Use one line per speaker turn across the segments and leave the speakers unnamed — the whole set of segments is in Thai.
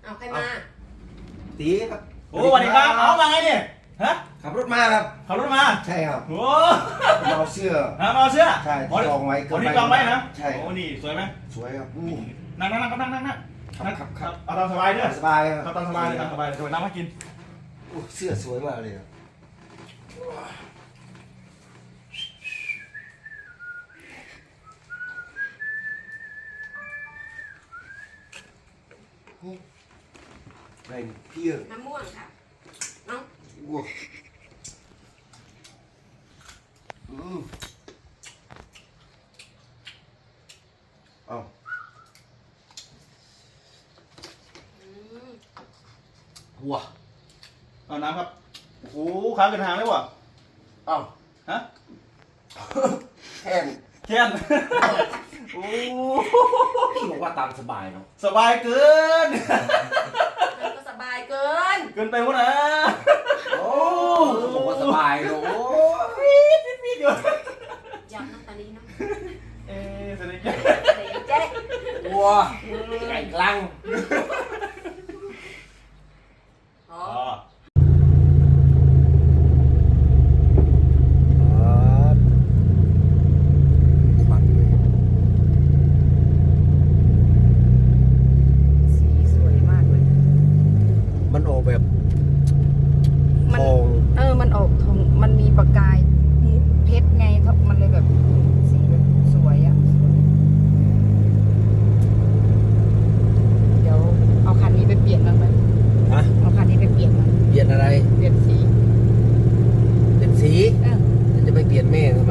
เอาใครมา
ตีครับ
โอ้สวัสดีครับเอามาไงเนี่ยฮะ
ขับรถมาครับ
ขับรถมา
ใช่ครับ
โอ้
เอาเสื้อ
เอาเสื้อ
ใช่จองไว้
วันนี้จองไว้นะ
ใช่
โอ้นี่สวยไหม
สวยครับ
นั่งครับเอาตามสบายเด้อ
สบายค
รั
บ
ตามสบายเลยตามสบายเลยน้ำมากิน
เสื้อสวยมากเลยอะไรพี่
น้ำม่วงค่ะน้อง
วัวเอาวัว
เอาน้ำครับโอ้ค้างกันทางเลยวะ
เอา
ฮะ
แค่น
โอ้
พี่บอกว่าตามสบายเนาะ
สบายเกิน
ก็สบายเกิน
ไปหมดนะ
โอ้บอกว่าสบายเนาะ
พี่เดี๋ย
วยำน้ำตาลีน้ำ
สนิท
เจ๊
วัวไก่กลาง
อ๋อ
มันออกแบบทอง
มันออกทองมันมีประกายเพชรไงมันเลยแบบสีแบบสวยอ่ะเดี๋ยวเอาคันนี้ไปเปลี่ยนมันไหมเอาคันนี้ไปเปลี่ยนมัน
เปลี่ยนอะไร
เปลี่ยนสี
จะไปเปลี่ยนแม่ทำไม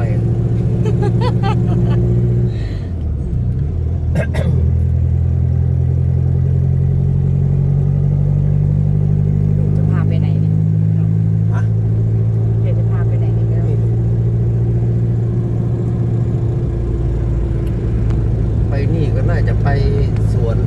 น่าจะไปสวน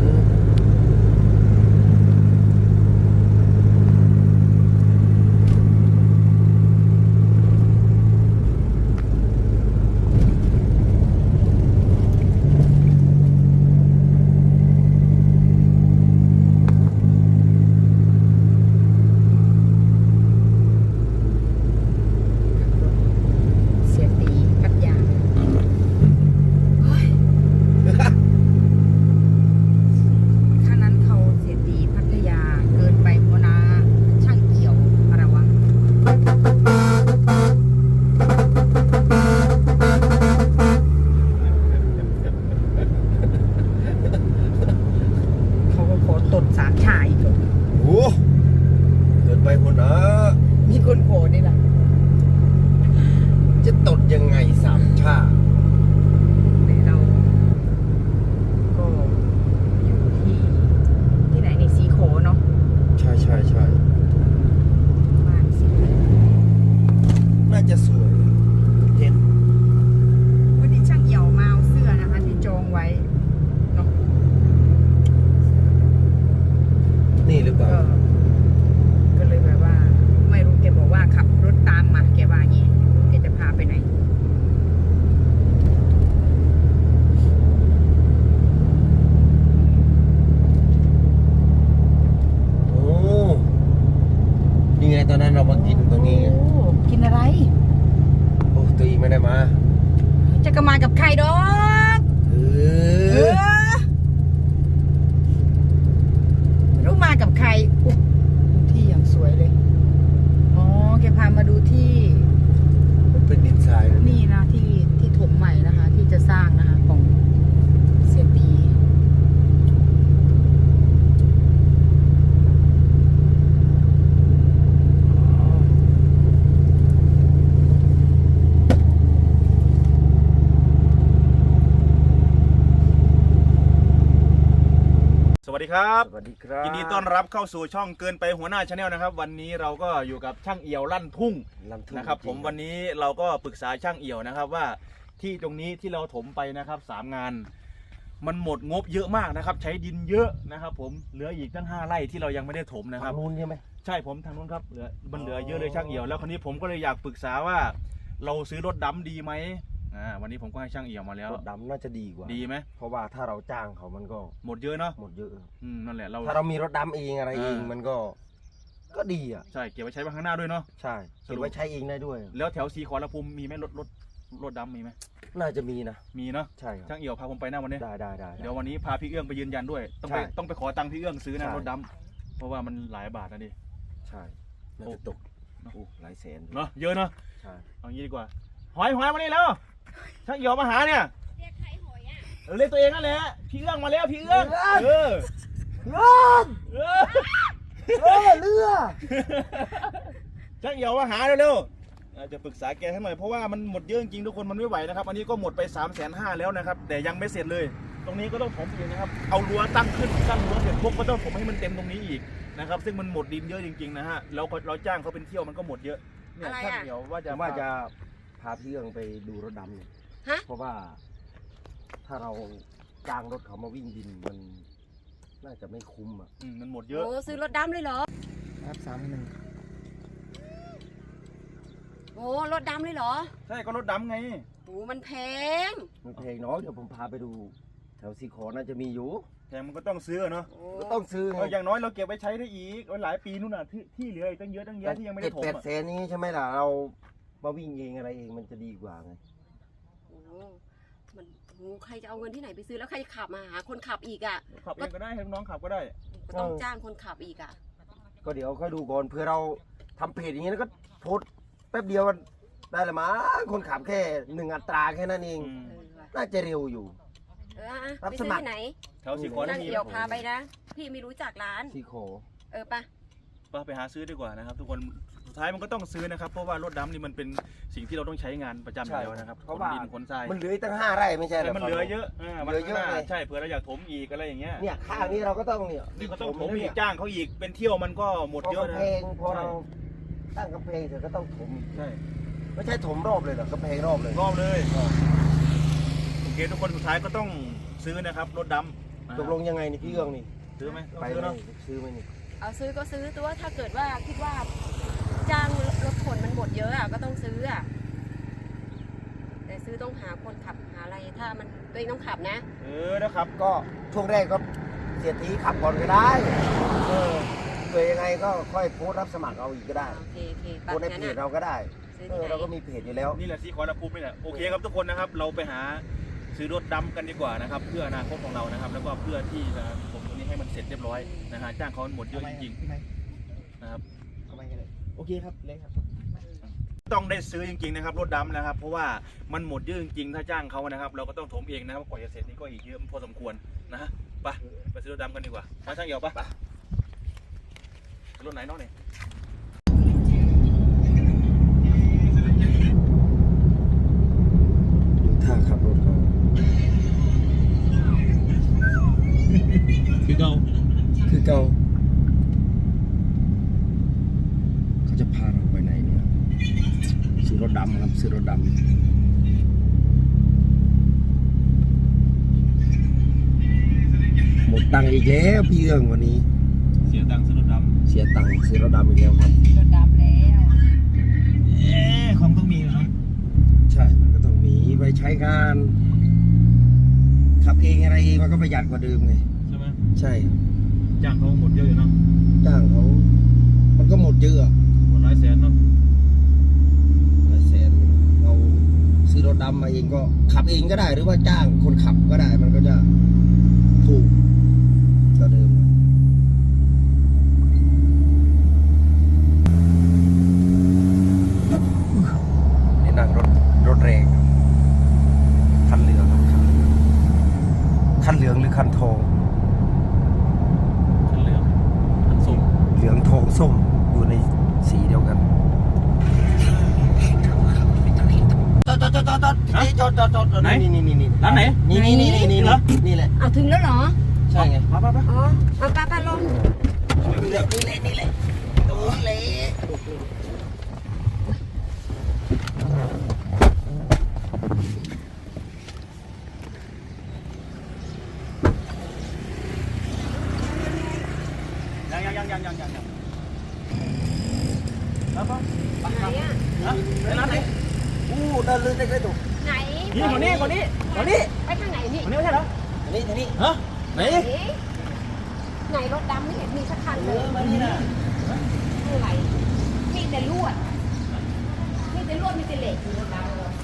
จะตดยังไงสามชา
เราก็อยู่ที่ไหนในสีโขเนาะ
ใช่
บ้านสี
น่าจะสวยเห็น
วันนี้ช่างเหี่ยวมาเอาเสื้อนะคะที่จองไว้เนาะ
นี่หรือเปล่า
ก็เลยแบบว่าไม่รู้แกบอกว่าขับรถตามมาแกว่าอย่างนี้แกจะพาไปไหน
โอ้นี่ไงตอนนั้นเรามากินตรงนี้ไง
กินอะไร
โอ้ตัวเองไม่ได้มา
จะกระมากับใครดอกรู้มากับใครที่อย่างสวยเลยอ๋อแกพามาดูที่
มันเป็นดินทราย
นี่นะที่ถมใหม่นะคะที่จะสร้างนะคะของเสียตี
สวัสดีครับ
สวัสดีครับ
ยินดีต้อนรับเข้าสู่ช่องเกินไปหัวหน้าชาแนลนะครับวันนี้เราก็อยู่กับช่างเอี่ยวลั่นทุ่งนะครับผมวันนี้เราก็ปรึกษาช่างเอี่ยวนะครับว่าที่ตรงนี้ที่เราถมไปนะครับ3 งานมันหมดงบเยอะมากนะครับใช้ดินเยอะนะครับผมเหลืออีกตั้ง5 ไร่ที่เรายังไม่ได้ถมนะครับ
ทางนู้นใช่ไหม
ใช่ผมทางนู้นครับเหลือเยอะเลยช่างเอี่ยวแล้วคราวนี้ผมก็เลยอยากปรึกษาว่าเราซื้อรถดำดีไหมวันนี้ผมก็ให้ช่างเอี่ยวมาแล้ว
รถดำน่าจะดีกว่า
ดีไหม
เพราะว่าถ้าเราจ้างเขามันก็
หมดเยอะเนาะ
หมดเยอะ
นั่นแหละเรา
ถ้าเรามีรถดำเองอะไรเองมันก็ดีอ่ะ
ใช่เก็บไว้ใช้บ้างข้างหน้าด้วยเนาะ
ใช่เก็บไว้ใช้เองได้ด้วย
แล้วแถวสีขอรภูมิมีไหมรถดำมีไหม
น่าจะมีนะ
มีเนาะ
ใช่ครับ
ช่างเอี่ยวพาผมไปหน้าวันนี้
ได้
เดี๋ยววันนี้พาพี่เอื้องไปยืนยันด้วย
ใช่
ต้องไปขอตังค์พี่เอื้องซื้อนะ
ใช่
รถดำเพราะว่ามันหลายบาทนะดิ
ใช่น่าจะตกหลายแสน
เนาะเยอะเนาะ
ใช่
เอางี้ดีกว่าหอยมานี่แล้วช่างเอี่ยวมาหาเนี่ย
เรียกใครหอยอ่ะ
เรียกตัวเองนั่นแหละพี่เอื้องมาแล้วพี่เอื้องเออ
เรือเรือ
ช่างเอี่ยวมาหาเร็วๆจะปรึกษาแกให้หน่อยเพราะว่ามันหมดเยอะจริงๆทุกคนมันไม่ไหวนะครับอันนี้ก็หมดไป 350,000แล้วนะครับแต่ยังไม่เสร็จเลย ตรงนี้ก็ต้องถมอีกนะครับเอารั้วตั้งขึ้นตั้งรั้วเสร็จปุ๊บก็ต้องถมให้มันเต็มตรงนี้อีกนะครับซึ่งมันหมดดินเยอะจริงๆนะฮะแล้วเราจ้างเขาเป็นเที่ยวมันก็หมดเยอะเนี่ยช่างเอี่ยวว่า
ผมว่าจะพาพี่เอื้องไปดูรถดำเนี่ย
ฮะ
เพราะว่า ถ้าเราจ้างรถเขามาวิ่งดินมันน่าจะไม่คุ้มอ่ะ
มันหมดเยอะ
โอ้ซื้อรถดำเลยเหรอ
ครับ3,100
โอ้รถดำเลยเหรอ
ใช่ก็รถดำไง
โอ้มันแพง
มันเพลงเนาะเดี๋ยวผมพาไปดู แถวซีขอน่าจะมีอยู่
แต่มันก็ต้องซื้อเนาะ
โอ้
ก็ต้องซื้อไง
อย่างน้อยเราเก็บไว้ใช้ได้อีกหลายปีนู่นน่ะที่เหลืออีกตั้งเยอะตั้งแยะที่ยังไม่ได้ถม
7-8 แสนนี้ใช่ไหมล่ะเรามาวิ่งเองอะไรเองมันจะดีกว่าไง
โอ้มันโอ้ใครจะเอาเงินที่ไหนไปซื้อแล้วใครจะขับมาหาคนขับอีกอ่ะ
ขับเองก็ได้ให้น้องขับก็ได้
ก็ต้องจ้างคนขับอีกอ่ะ
ก็เดี๋ยวค่อยดูก่อนเพื่อเราทำเพจอย่างนี้แล้วก็โพสต์แป๊บเดียวมันได้ละมั้งคนขับแค่1 อัตราแค่นั้นเอง
เออว่ะ
น่าจะเร็วอยู่ รับ
ไป
ส
ซื้อ
มัคร
ที่ไหน
แถวสีขอ
นั่
ได้
ง
มี
เดี่ยวพาไปนะ พี่ไม่รู้จักร้าน
ซีขอ
ปะ
ไปหาซื้อดีกว่านะครับทุกคนสุดท้ายมันก็ต้องซื้อนะครับเพราะว่ารถดำนี่มันเป็นสิ่งที่เราต้องใช้งานประจำอยู่แล้วนะครับ
เพราะว่า
ขนดินขนทราย
มันเหลืออีกตั้ง5 ไร่ไม่ใช่เหร
แต่
อ
มันเหลือเยอะมัน
เหลือเยอะ
ข้างหน้า
เลย
ใช่เผื่อเราอยากถมอีกอะไรอย่างเงี้ย
เนี่ยข้างนี้เราก็ต้องเนี่ย
นี่ก็ต้องถม
นะ
อี
เนี่
ก
ย
จ้างเขาอีกเป็นเที่ยวมันก็หมด
พอ
เยอะ
กำ
นะ
แพงพอเราตั้งกำแพงเสร็จก็ต้องถมอีก
ใช่
ไม่ใช่ถมรอบเลยเหรอกำแพงรอบเลย
รอบเลยโอเคทุกคนสุดท้ายก็ต้องซื้อนะครับรถดำ
ตกลงยังไงนี่พี่เอื้องนี่
ซื้อไหมต้อง
ไป
ซื้อ
เล
เนาะ
ยซื้อไหมนี่
เอาซื้อก็ซื้อตัวถ้าเกิดว่าคิดว่าจ้างรถขนมันหมดเยอะอ่ะก็ต้องซื้ออ่ะแต่ซื้อต้องหาคนขับหาอะไรถ้ามันตัวเองต้องขับนะ
นะครับ
ก็ช่วงแรกก็เสียทีขับก่อนก็ได้เกิดยังไงก็ค่อยโพสต์รับสมัครเอาอีกก็ได้
โอเคโอเค
โพ
ปั
สต์ใน
งั้น
เพจ
อ่ะ
เราก็ได้
ซื้อที่ไหน
เราก็มีเพจอยู่แล้ว
นี่แหละสีขอรภูมินี่แหละโอเคครับทุกคนนะครับเราไปหาซื้อรถดำกันดีกว่านะครับเพื่ออนาคตของเรานะครับแล้วก็เพื่อที่จะผมตรงนี้ให้มันเสร็จเรียบร้อยนะฮะจ้างเขาหมดเยอะจริงๆนะครับ
โอเคครับเลยครับ
ต้องได้ซื้อจริงๆนะครับรถดำนะครับเพราะว่ามันหมดเยอะจริงๆถ้าจ้างเขานะครับเราก็ต้องถมเองนะครับกว่าจะเสร็จนี่ก็อีกเยอะพอสมควรนะฮะไปซื้อรถดำกันดีกว่ามาช่างเอี่ยวไปรถไหนเนาะเนี่ย
ถ้าขับรถเขา
คือเก่า
คือเก่าเขาจะพาเราไปไหนเนี่ยซื้อรถดำครับซื้อรถดำหมดตังค์อีกแล้วพี่เอื้องวันนี้
เสียตังค์ซื้อรถดำ
เสียตังค์ซื้อรถดำอีกแล้วครับ
รถดำแล้ว
ของต้องมีเนาะ
ใช่มันก็ต้องมีไปใช้งานขับเองอะไรเองมันก็ประหยัดกว่าเดิมไง
ใช่ไหม
ใช่
จ้างเขาหมดเยอะอยู่เนาะ
จ้างเขามันก็หมดเยอะอะ
หมดหลายแสนเนาะ
หลายแสนเราซื้อรถดำมาเองก็ขับเองก็ได้หรือว่าจ้างคนขับก็ได้มันก็จะถูกกว่าเดิมนี่นั่งรถแรงคันเหลืองครับคันเหลืองหรือคันทอง
คันเหลืองคันส้ม
เหลืองทองส้มอยู่ในสีเดียวกันจอดนี่นี่ร้านไหนนี่นี่แหละ
เอาถึงแล้วเหรอ
ใช่ไง
ไป
อ๋อเอาป้าลง
นี่แหละตรงนี้แหละ
ยังแล้วก็
ไหนอ่ะ
ไปร้านไหน
อู้เดินเลยได้ถูก
ไหน
นี่คนนี้คนนี้คนนี้
ไปทางไหนนี่
คนนี้ไม่ใช่เหรอ
ทีนี้ทีนี้
ฮะไหน
ไหนรถดำไม่เห็นมีสักคันเลย
มานี่นะ
อะไรมีแต่ลวดมีแต่ลวดมีแต่เหล็กรถดำเลย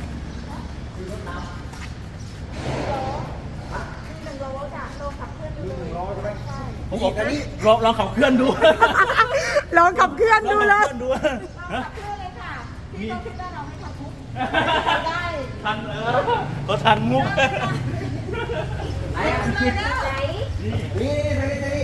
1 โลจ้ะโลขับเคลื่อนดูเลย
รอใช่ไหม
ผมบอกอันนี้ลองขับเคลื่อนดู
ลองขับเคลื่อนดูเลย
ขับเคลื่อนดู
เราขับเคลื่อนเลยค่ะพี่ต้องคิดว่าเราไม่ขับทุกได้
ทันก็ทันมุก
ไหนอ่ะ
ไหน
นี่ทีนี้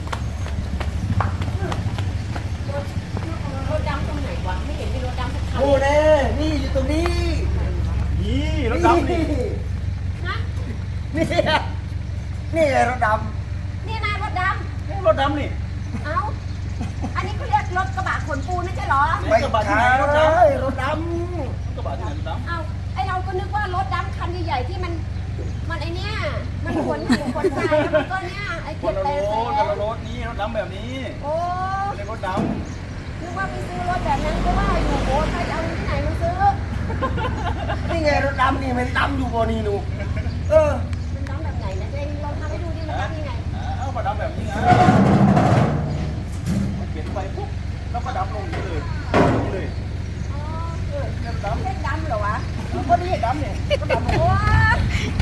รถดำตรงไหนวะไม่เห็นมีรถดำสักคัน
โอ้เน่นี่อยู่ตรงนี้
นี่รถดำนี่
ฮะ
นี่นี่รถด
นี่นายรถด
รถดำนี่
ำเอ้าอันนี้เขาเรียกรถกระบะขนปูนไม่ใช่เหรอ
ำไม่ใช่รถดำรถด
กระบะที่ไหนรถดำ
เอ้าไอเราก็นึกว่ารถดำคันใหญ่ๆที่มันไอเนี้ยมันขนหินขนทรายแล้วมันก็เนี้ยไอ
ค
เก็
น
บ
ละ
แต่
ร
แส
ถคนละรถนี่รถดำแบบนี้
โอ้
เรียกรถด
นึกว่าไปซื้อรถแบบนั้นก็ว่าอยู่โอ้ใครจะเอาเงินที่ไหนมาซื้อ
ำนี่ไงรถดำนี่มันดำอยู่บนนี่หนูเออ
มันดำแบบไหนนะเจงลองทำให้ดูดิมันดำยังไง
เอามาดำแบบนี้นะเขียนไปปุ๊บแล้วก็ดำลงนี่เลยนี่เลย
อ๋อเออ
เนี่ยด
เรียกดำเหรอวะ
ำก็นี่ดำเนี่ยก็ดำลง
โอ้ย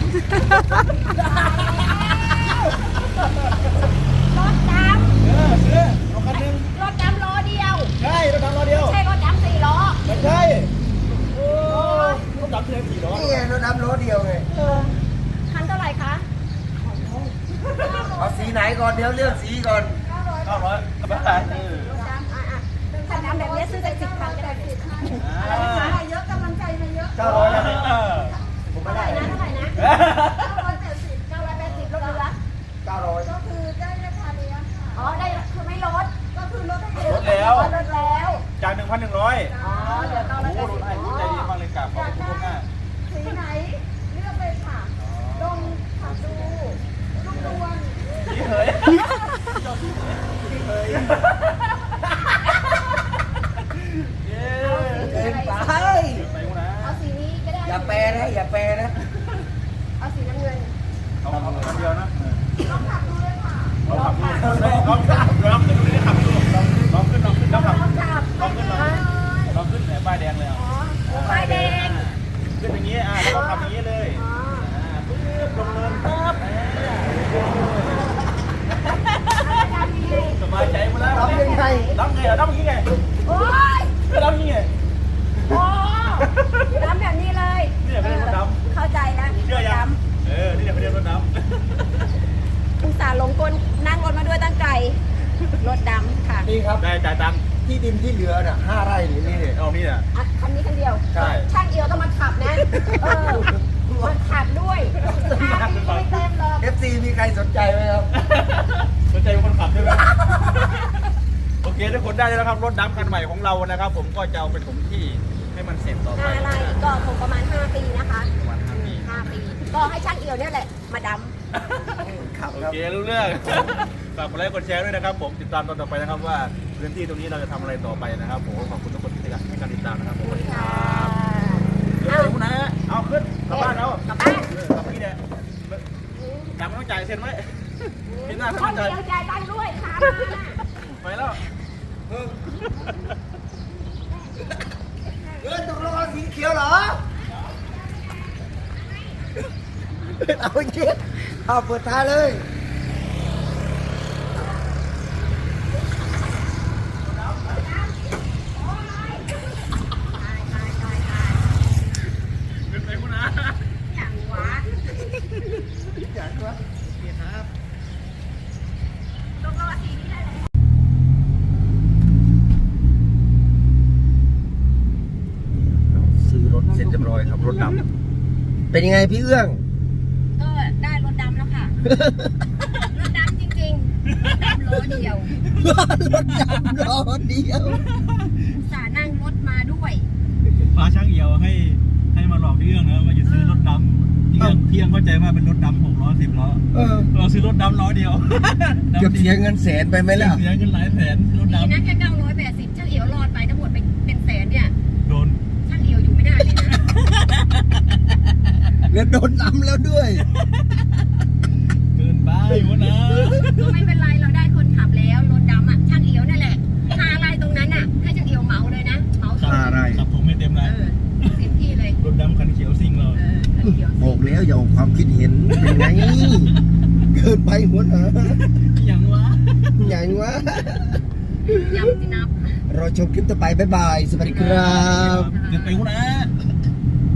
รถดำ
ซื้อรถคันนึง
รถดำล้อเดียว
ใช่รถดำล้อเดียว
ใช่รถดำ4 ล้อ
ไม่ใช่โอ้รถดำเทียมกี่ล้อ
นี่ไงรถดำรถเดียวไง
คันเท่าไหร่คะ
เอาสีไหนก่อนเดี๋ยวเลือกสีก่อน
900ก็ไม่ได้
รถดำคันดำแบบนี้ซื้อได้10 คันก็ได้10 คันอะไรนะคะเยอะกำลังใจมาเยอะ
900นะ
เท่าไหร่นะ980ลดเหลือ
900
ก็คือได้ราคาเดียวอ๋อได้คือไม่ลดก็คือลดให้เย
ล
อะ
ดแล้ว
ลดแล้ว
จาก 1,100
อ๋อเดี๋ยว
โอ้โหรถไอ้
980
ใจดีมากเลยกราบขอบคุณล่วงหน้า
สีไหนเลือกเลยค่ะลงขับดูลูกดวง
พี่เหยพี่เหยเย้
เกินไป
ไปกูนะ
เอาสีนี้ก็ได้
อย่าแปรนะอย่าแปรนะ
เอาสีน้ำเงิน
เอาคนเดียวนะ
ลองขับดูเลยค่ะ
ลองขับดูลองขับลองขึ้นนี่ขับดูลองขึ้นแล้วขับ
ลองขับ
ลองขึ้นลองขึ้นเนี่ยป้ายแดงเลยอ่ะ
อ๋อไฟแดง
ขึ้นอย่างนี้แล้วก็ขับอย่างนี้เลย
อ๋อ
ปึ๊บลงเนินปั๊บ
แล้วจะทำยังไง
สบายใจหมดแล้ว
ทำยังไง
รับไงรับอย่างนี้ไง
โอ๊ย
รับอย่างนี้ไง
โอ้ดำแบบนี้เลย
เนี่ยเป็นรถดำ
เข้าใจแล้ว
เชื่อยังนี่เนี่ยเขาเรียกรถด
อุตส่าห์ลงกลนั่งรถมาด้วยตั้งไกลรถดำค่ะ
นี่ครับ
ำได้จ่ายตังค์
ที่ดินที่เหลือน่ะ5 ไร่นี่นี่
เอานี่น่ะ
อ่ะคันนี้คันเดียว
ใช่
ช่างเอียวต้องมาขับนะมาขับด้วย5 ปีก็ไม่เต็มหรอก
FC มีใครสนใจไหมครับ
สนใจเป็นคนขับใช่ไหมโอเคทุกคนได้แล้วครับรถดำคันใหม่ของเรานะครับ ผมก็จะเอาไปถมที่ให้มันเสร็จต่อไป
5 ไร่ก็คงประมาณ5 ปีนะคะ
ประมาณ5 ปี
5 ปี ก็ให้ช่างเอียวเนี่ยแหละมาด
ครับ
โอ
ครับ
เครู้เรื่อง ฝากกดไลค์กดแชร์ด้วยนะครับ ผมติดตามตอนต่อไปนะครับว่าพื้นที่ตรงนี้เราจะทำอะไรต่อไปนะครับผมขอบคุณทุกคนที่ให้การติดตามนะครับผม
ำค่ะ
เดี๋ยวไปนะเอาขึ้นกลับบ้านเรา
กลับบ้าน
กลับพี่เนี่ยตังค์ไม่ต้องจ่ายเซ็นไว้พี่หน้าไม่
ค
ต้อน งจ่าย
เดียวจ่ายตังค์ด้วยค่ะ
ไปแล้ว
ตกลงเอาสีเขียวเหรอ เอาจริงเอาเปิดท้ายเลย
ขึ้นไปคุณนะ
อย่างหวะ
อยากวะนี่ครับ
ลงรอสีนี้ได้เลย
ซื้อรถเสร็จเรียบร้อยครับรถดำเป็นยังไงพี่เอื้อง
ก็ได้รถดำแล้วค่ะ รถดำจริงๆดำล้อเดียว
รถดำล้อเดียว
อุตส่าห์นั่งรถมาด้วย
พาช่างเอียวให้มาหลอกพี่เอื้องนะว่าจะซื้อรถดำพี่เอื้องเข้าใจว่าเป็นรถดำ6 ล้อ 10 ล้อ เราซื้อรถดำล้อเดียว
เกือบเสียเงินแสนไปไหมล่ะ
เสียเงินหลายแสนรถ
ดี
ดำ
นะแค่980ช่างเอียวรอดไปทั้งหมดเป็นแสนเนี่ย
โดน
ช่างเอียวอยู่ไม่ได้เลยนะ
แล้วโดนนำแล้วด้วย
เกินไปหัวหน้า
ก็ไม่เป็นไรเราได้คนขับแล้วรถดำอ่ะช่างเอียวนั่นแหละค่าอะไรตรงนั้นอ่ะให้ช่างเอียวเหมาเลยนะเหมา
ค่าอะไร
ขับผมไม่เต็ม
เอ
นะ
อเต็มที่เลย
รถดำคันเขียวซิ่งเรา
เออช่างเอียว
บอกแล้วอย่าออกความคิดเห็นเป็นไง เกินไปหัวหน้า
อย่างวะ
อย่างวะ
ย้ำที่นับ
รอชมคลิปต่อไปบ๊ายบาย สวัสดีครับ
เกินไปหัวหน้า